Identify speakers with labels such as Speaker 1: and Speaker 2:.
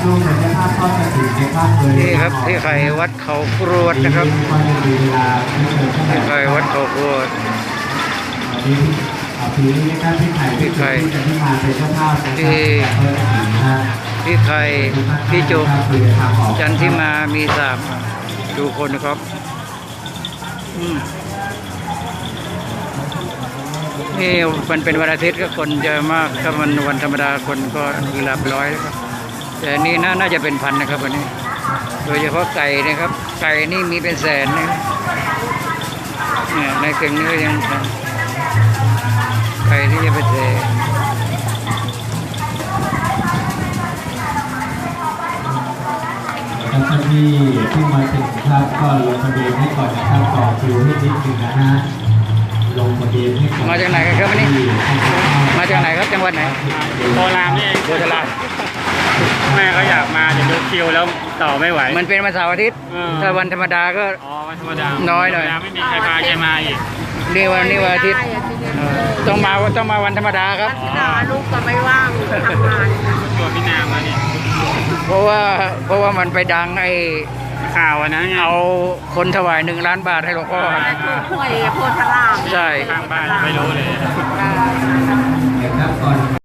Speaker 1: ร่วมเป็นเจ้าภาพทอดกฐินในภาพเลย
Speaker 2: นี่ครับที่ไข่วัดเขากรวดนะครับที่ไข่วัดเขากรวด
Speaker 1: ปีนี้นะครับพี่ไข่ที่มาเป็นเจ้าภาพ
Speaker 2: ที่ไข่ที่จุกจันทิมามีสามดูคนนะครับนี่มันเป็นวันอาทิตย์ก็คนเยอะมากถ้ามันวันธรรมดาคนก็หลับร้อยแล้วครับแต่นี่น่าจะเป็นพันนะครับวันนี้ โดยเฉพาะไก่นะครับไก่นี่มีเป็นแสนนะครับเนี่ยในเก่งนี้ก็ยังไก่ที่จะเป็นแสน
Speaker 1: ท่านที่มาถึงครับก็ลงทะเบียนให้ก่อนนะครับต่อคิวให้นิดนึงนะฮะลงทะเบียนให้ก่อน
Speaker 2: มาจากไหนกันครับวันนี้มาจากไหนครับจังหวัดไหน
Speaker 3: โคราชนี่เอง
Speaker 2: โคราช
Speaker 3: แม่ก็อยากมาจะดูคิวแล้วต่อไม่ไหว
Speaker 2: มันเป็นวันเสาร์อาทิตย์ถ้าวันธรรมดาก็
Speaker 3: วันธรรมดา
Speaker 2: น้อยหน่อย
Speaker 3: ไม่มีใครพาแกมาอีก
Speaker 2: นี่วันอาทิตย์ต้องมาวันธรรมดาครับ
Speaker 4: ลูกก็ไม่ว่างทำงาน
Speaker 3: ตัวพี่นามาเนี่ย
Speaker 2: เพราะว่ามันไปดังไอ้
Speaker 3: ข่าวนะ
Speaker 2: เอาคนถวาย1 ล้านบาทให้หลวงพ่อ
Speaker 4: ช่วยโพธาราม
Speaker 2: ใช่
Speaker 3: ข้างบ้านไม่รู้เลย